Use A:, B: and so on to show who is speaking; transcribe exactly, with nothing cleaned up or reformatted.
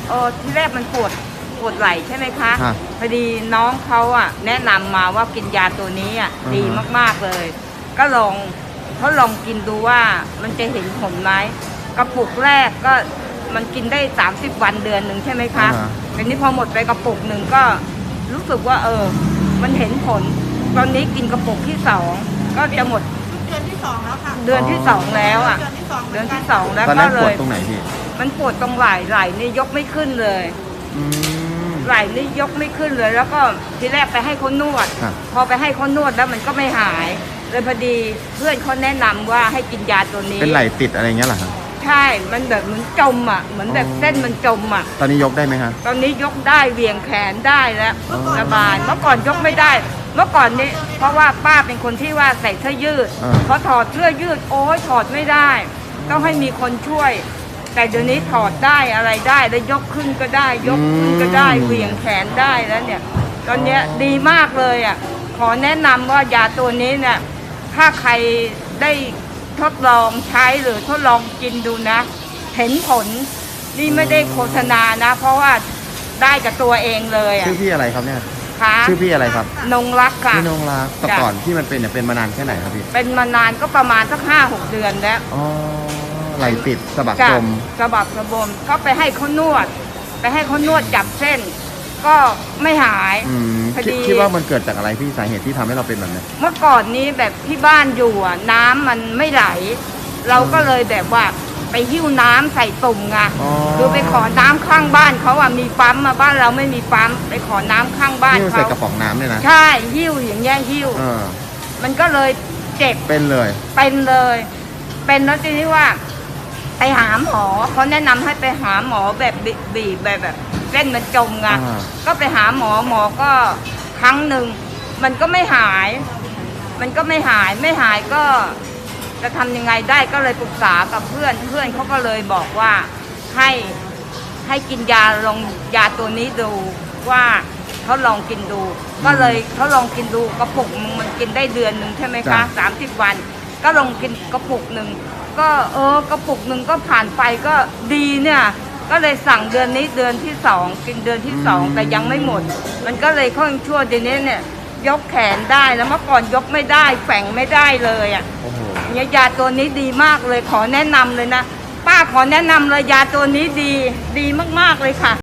A: เออที่แรกมันปวดปวดไหล่ใช่ไหมคะ
B: ฮะ
A: พอดีน้องเขาอ่ะแนะนำมาว่ากินยาตัวนี้อ่ะ
B: อือฮะ
A: ดีมากๆเลย ก็ลองเขาลองกินดูว่ามันจะเห็นผลไหมกระปุกแรกก็มันกินได้สามสิบวันเดือนหนึ่งใช่ไหมคะ
B: อ่าฮะ
A: ทีนี้พอหมดไปกระปุกหนึ่งก็รู้สึกว่าเออมันเห็นผล ตอนนี้กินกระปุกที่สองก็จะหมด
C: เดือนที่สองแล้วค่ะ
A: เดือนที่สองแล้วอ่ะ
C: เดือนที่สอง
A: เดือนที่สองแล้ว
B: ตอน
A: ก็
B: นั้น
A: เล
B: ปวด
A: ย
B: ตรงไหนพี่
A: มันปวดตรงไหล่ไหล่นี่ยกไม่ขึ้นเลย
B: อืม
A: ไหล่นี่ยกไม่ขึ้นเลย แล้วก็ทีแรกไปให้เขานวด
B: ครับ
A: พอไปให้เขานวดแล้วมันก็ไม่หาย เลยพอดีเพื่อนเขาแนะนำว่าให้กินยาตัวนี้
B: เป็นไหลติดอะไรเงี้ยเหรอครับ
A: ใช่ มันแบบเหมือนจมอ่ะ เหมือนแบบ
B: อ๋อ
A: เส้นมันจมอ่ะ
B: ตอนนี้ยกได้ไหมครับ
A: ตอนนี้ยกได้เวียงแขนได้แล้ว
B: อ๋อ
A: สบาย เมื่อก่อนยกไม่ได้ เมื่อก่อนนี้เพราะว่าป้าเป็นคนที่ว่าใส่เสื้อยืด
B: อ่า
A: พอถอดเสื้อยืดโอ้ยถอดไม่ได้ ต้องให้มีคนช่วย แต่เดี๋ยวนี้ถอดได้อะไรได้แล้วยกขึ้นก็ได้ ยกขึ้นก็ได้เหวี่ยงแขนได้แล้วเนี่ย ตอนเนี้ยดีมากเลยอ่ะ ขอแนะนำว่ายาตัวนี้เนี่ย ถ้าใครได้ทดลองใช้หรือทดลองกินดูนะ เห็นผลนี่ไม่ได้โฆษณานะ เพราะว่าได้กับตัวเองเลยอ่ะ
B: ชื่อพี่อะไรครับเนี่ย
A: ค่ะ
B: ชื่อพี่อะไรครับ
A: นงรักค่ะ
B: พี่นงรักแต่
A: จ้ะ
B: ก่อนที่มันเป็นเนี่ยเป็นมานานแค่ไหนครับพี่
A: เป็นมานานก็ประมาณสักห้าหกเดือนแล้ว
B: อ๋อไหลติดสะบัก
A: จ้ะ
B: จม
A: สะบักสะบมก็ไปให้เขานวด ไปให้เขานวดจับเส้น ก็ไม่หาย
B: อืม
A: พอ
B: คิด
A: ดี
B: คิดว่ามันเกิดจากอะไรพี่สาเหตุที่ทำให้เราเป็นแบบนี้
A: เมื่อก่อนนี้แบบที่บ้านอยู่อ่ะน้ำมันไม่ไหล เราก็เลยแบบว่าไปหิ้วน้ำใส่ตุ่มไง
B: อ๋อ
A: คือไปขอน้ำข้างบ้านเขาอ่ะมีปั๊มมาบ้านเราไม่มีปั๊มไปขอน้ำข้างบ้าน
B: ที่มันใส่
A: เขา
B: กระป๋องน้ำเนี่ยนะ
A: ใช่หิ้วอย่างเงี้ยหิ้ว
B: เออ
A: มันก็เลยเจ็บ
B: เป็นเลย
A: เป็นเลย เป็นแล้วทีนี้ว่า ไปหาหมอเขาแนะนำให้ไปหาหมอแบบบีบีบแบบแบบเส้นมันจมไง
B: อ่า
A: ก็ไปหาหมอหมอก็ครั้งหนึ่งมันก็ไม่หาย มันก็ไม่หายไม่หายก็จะทำยังไงได้ก็เลยปรึกษากับเพื่อนเพื่อนเขาก็เลยบอกว่าให้ให้กินยาลองยาตัวนี้ดูว่าเขาลองกินดู ก็เลยเขาลองกินดูกระปุกนึงมันกินได้เดือนหนึ่งใช่ไหมคะสามสิบวัน ก็ลองกินกระปุกหนึ่งก็เออกระปุกหนึ่งก็ผ่านไปก็ดีเนี่ย ก็เลยสั่งเดือนนี้เดือนที่สองกินเดือนที่สองแต่ยังไม่หมด มันก็เลยค่อนชั่วเดี๋ยวนี้เนี่ยยกแขนได้แล้วเมื่อก่อนยกไม่ได้แฝงไม่ได้เลยอ่ะ
B: โอ้โห
A: เนี่ยยาตัวนี้ดีมากเลยขอแนะนำเลยนะป้าขอแนะนำเลยยาตัวนี้ดีดีมากๆเลยค่ะ